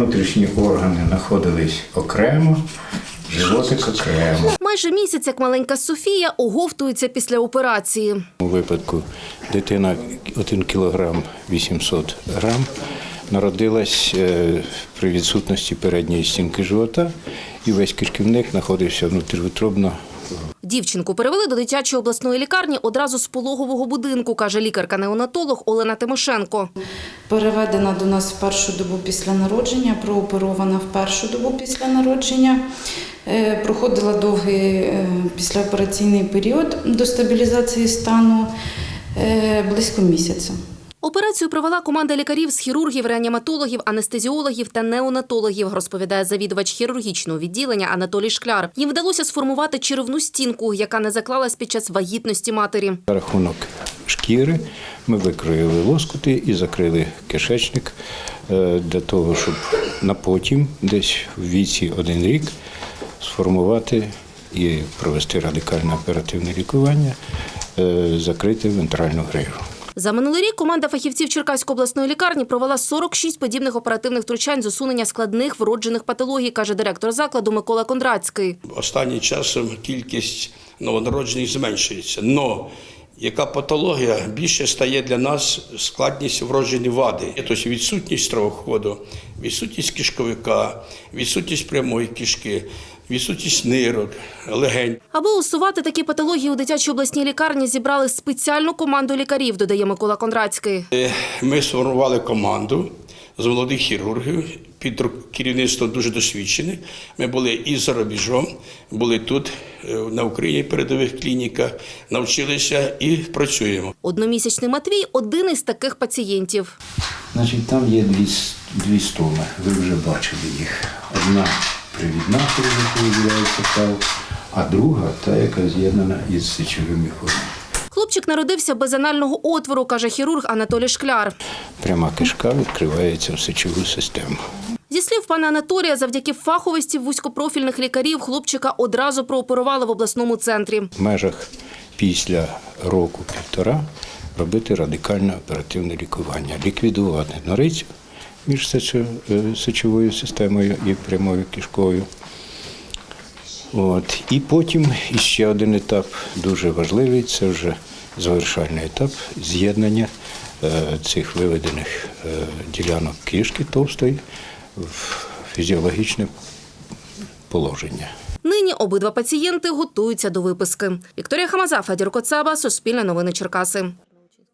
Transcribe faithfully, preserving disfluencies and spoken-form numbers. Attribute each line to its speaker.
Speaker 1: внутрішні органи знаходились окремо, животик окремо.
Speaker 2: Майже місяць, як маленька Софія, оговтується після операції.
Speaker 1: У випадку дитина один кілограм вісімсот грам народилась при відсутності передньої стінки живота, і весь кишківник знаходився внутріутробно.
Speaker 2: Дівчинку перевели до дитячої обласної лікарні одразу з пологового будинку, каже лікарка-неонатолог Олена Тимошенко.
Speaker 3: Переведена до нас в першу добу після народження, прооперована в першу добу після народження. Проходила довгий післяопераційний період до стабілізації стану близько місяця.
Speaker 2: Операцію провела команда лікарів з хірургів, реаніматологів, анестезіологів та неонатологів, розповідає завідувач хірургічного відділення Анатолій Шкляр. Їм вдалося сформувати черевну стінку, яка не заклалась під час вагітності матері.
Speaker 1: За рахунок шкіри ми викроїли лоскути і закрили кишечник для того, щоб на потім, десь в віці один рік, сформувати і провести радикальне оперативне лікування, закрити вентральну грижу.
Speaker 2: За минулий рік команда фахівців Черкаської обласної лікарні провела сорок шість подібних оперативних втручань з усунення складних вроджених патологій, каже директор закладу Микола Кондратський.
Speaker 4: Останнім часом кількість новонароджених зменшується, але яка патологія більше стає для нас складність вроджені вади. Тобто відсутність стравоходу, відсутність кишковика, відсутність прямої кишки, відсутність нирок, легень.
Speaker 2: Аби усувати такі патології у дитячій обласній лікарні зібрали спеціальну команду лікарів, додає Микола Кондратський.
Speaker 4: Ми сформували команду з молодих хірургів під керівництвом дуже досвідчених. Ми були і за рубежом, були тут, на Україні, в передових клініках, навчилися і працюємо.
Speaker 2: Одномісячний Матвій – один із таких пацієнтів.
Speaker 1: Значить, там є дві, дві стоми, ви вже бачили їх. Одна привідна, яка виділяється тал, а друга – та, яка з'єднана із сечовим міхуром.
Speaker 2: Хлопчик народився без анального отвору, каже хірург Анатолій Шкляр.
Speaker 1: Пряма кишка відкривається в сечову систему.
Speaker 2: Зі слів пана Анатолія, завдяки фаховості вузькопрофільних лікарів хлопчика одразу прооперували в обласному центрі.
Speaker 1: В межах після року-півтора робити радикальне оперативне лікування, ліквідувати норицю між сечовою системою і прямою кишкою. От. І потім ще один етап дуже важливий – це вже завершальний етап з'єднання цих виведених ділянок кишки товстої в фізіологічне положення.
Speaker 2: Нині обидва пацієнти готуються до виписки. Вікторія Хамаза, Федір Коцаба, Суспільне новини Черкаси.